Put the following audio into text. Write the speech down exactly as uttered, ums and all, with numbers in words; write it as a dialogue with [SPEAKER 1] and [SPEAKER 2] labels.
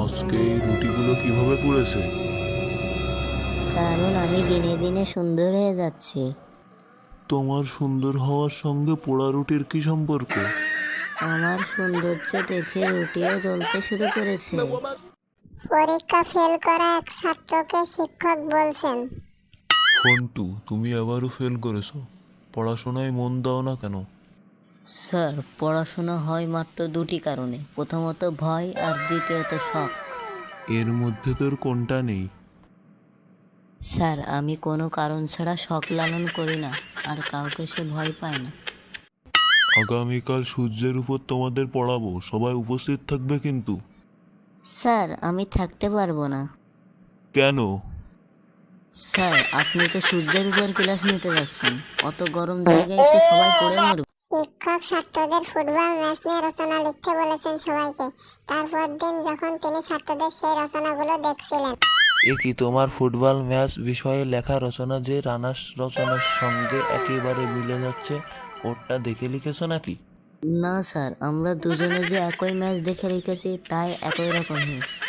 [SPEAKER 1] আজকে এই রুটিগুলো কিভাবে পুড়েছে?
[SPEAKER 2] কারণ আমি দিনে দিনে সুন্দর হয়ে যাচ্ছি।
[SPEAKER 1] তোমার সুন্দর হওয়ার সঙ্গে পোড়া রুটির কি সম্পর্ক?
[SPEAKER 2] আমার সৌন্দর্য দেখে রুটিও জ্বলতে শুরু করেছে।
[SPEAKER 3] পরীক্ষা ফেল করা এক ছাত্রকে শিক্ষক বলছেন,
[SPEAKER 1] ফন্টু, তুমি আবারও ফেল করেছো। পড়াশোনায় মন দাও না কেন?
[SPEAKER 2] স্যার, পড়াশোনা হয় মাত্র দুটি কারণে, প্রথমত ভয় আর দ্বিতীয়ত শখ।
[SPEAKER 1] এর মধ্যে তোর কোনটা নেই?
[SPEAKER 2] স্যার, আমি কোনো কারণ ছাড়া শখ লালন করি না, আর কাউকে সে ভয় পায় না।
[SPEAKER 1] আগামীকাল সূর্যের উপর তোমাদের পড়াবো, সবাই উপস্থিত থাকবে কিন্তু।
[SPEAKER 2] স্যার, আমি থাকতে পারবো না।
[SPEAKER 1] কেন?
[SPEAKER 2] স্যার, আপনি তো সূর্যের উপর ক্লাস নিতে যাচ্ছেন, অত গরম জায়গায় তো সবাই পড়ে মরবে।
[SPEAKER 3] শিক্ষক ছাত্রদের ফুটবল ম্যাচ নিয়ে রচনা লিখতে বলেছেন সবাইকে। তারপর দিন যখন তিনি ছাত্রদের সেই রচনাগুলো দেখছিলেন,
[SPEAKER 4] এ কি তোমার ফুটবল ম্যাচ বিষয়ে লেখা রচনা যে রানার রচনার সঙ্গে একেবারে মিলে যাচ্ছে, ওরটা দেখে লিখেছো নাকি?
[SPEAKER 2] না স্যার, আমরা দুজনে যে একই ম্যাচ দেখে রেখেছি তাই একই রকম হয়েছে।